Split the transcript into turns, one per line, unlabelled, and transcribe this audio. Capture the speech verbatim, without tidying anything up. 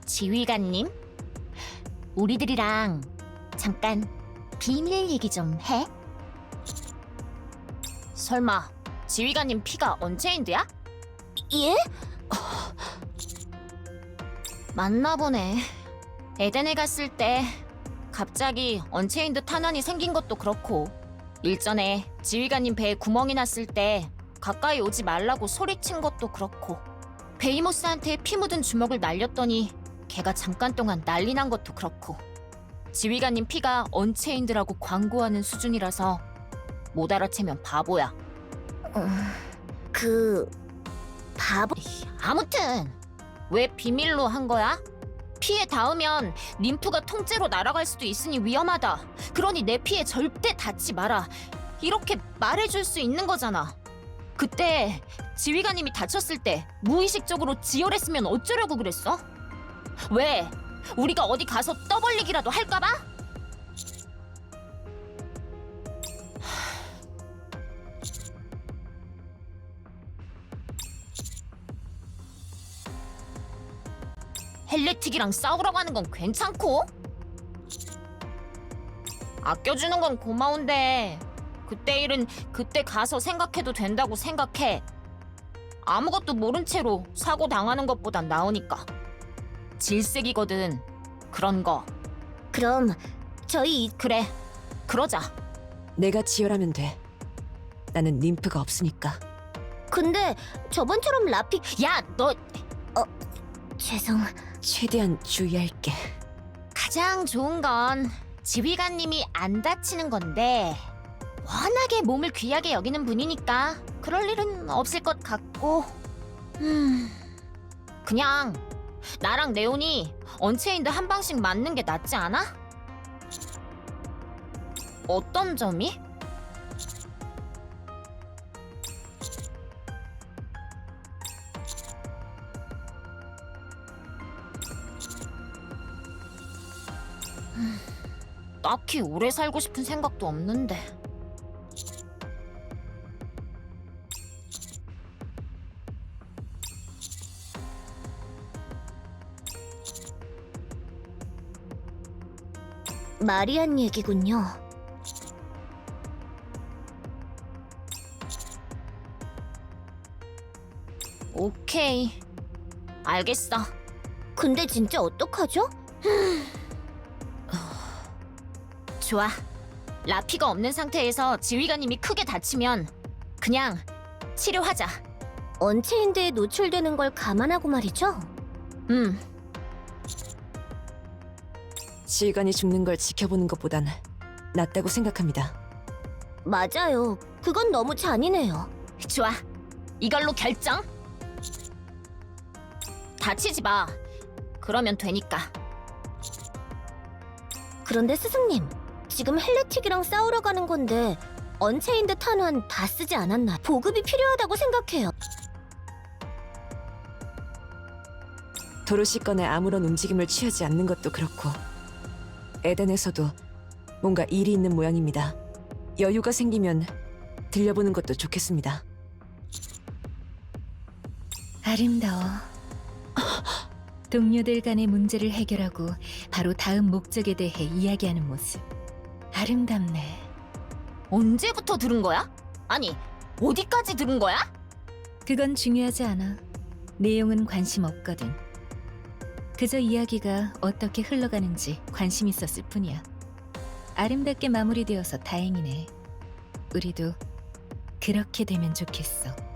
지휘관님, 우리들이랑 잠깐 비밀 얘기 좀 해? 설마 지휘관님 피가 언체인드야?
예?
맞나 보네. 에덴에 갔을 때 갑자기 언체인드 탄환이 생긴 것도 그렇고, 일전에 지휘관님 배에 구멍이 났을 때 가까이 오지 말라고 소리친 것도 그렇고, 베이모스한테 피 묻은 주먹을 날렸더니 걔가 잠깐 동안 난리 난 것도 그렇고, 지휘관님 피가 언체인드라고 광고하는 수준이라서 못 알아채면 바보야.
그... 바보...
아무튼 왜 비밀로 한 거야? 피에 닿으면 림프가 통째로 날아갈 수도 있으니 위험하다. 그러니 내 피에 절대 닿지 마라. 이렇게 말해줄 수 있는 거잖아. 그때 지휘관님이 다쳤을 때 무의식적으로 지혈했으면 어쩌려고 그랬어? 왜? 우리가 어디 가서 떠벌리기라도 할까봐? 헬레틱이랑 싸우러 가는 건 괜찮고? 아껴주는 건 고마운데 그때 일은 그때 가서 생각해도 된다고 생각해. 아무것도 모른 채로 사고 당하는 것보단 나으니까. 질색이거든, 그런 거.
그럼 저희 이...
그래, 그러자.
내가 지혈하면 돼. 나는 림프가 없으니까.
근데 저번처럼 라피...
야, 너
죄송...
최대한 주의할게.
가장 좋은 건 지휘관님이 안 다치는 건데, 워낙에 몸을 귀하게 여기는 분이니까 그럴 일은 없을 것 같고, 음... 그냥 나랑 네온이 언체인드 한 방씩 맞는 게 낫지 않아? 어떤 점이? 음, 딱히 오래 살고 싶은 생각도 없는데.
마리안 얘기군요.
오케이, 알겠어.
근데 진짜 어떡하죠?
좋아. 라피가 없는 상태에서 지휘관님이 크게 다치면 그냥 치료하자.
언체인드에 노출되는 걸 감안하고 말이죠?
음,
지휘관이 죽는 걸 지켜보는 것보단 낫다고 생각합니다.
맞아요. 그건 너무 잔인해요.
좋아. 이걸로 결정. 다치지 마. 그러면 되니까.
그런데 스승님, 지금 헬레틱이랑 싸우러 가는 건데 언체인드 탄환 다 쓰지 않았나? 보급이 필요하다고 생각해요.
도로시 건에 아무런 움직임을 취하지 않는 것도 그렇고, 에덴에서도 뭔가 일이 있는 모양입니다. 여유가 생기면 들려보는 것도 좋겠습니다.
아름다워. 동료들 간의 문제를 해결하고 바로 다음 목적에 대해 이야기하는 모습. 아름답네.
언제부터 들은 거야? 아니, 어디까지 들은 거야?
그건 중요하지 않아. 내용은 관심 없거든. 그저 이야기가 어떻게 흘러가는지 관심 있었을 뿐이야. 아름답게 마무리되어서 다행이네. 우리도 그렇게 되면 좋겠어.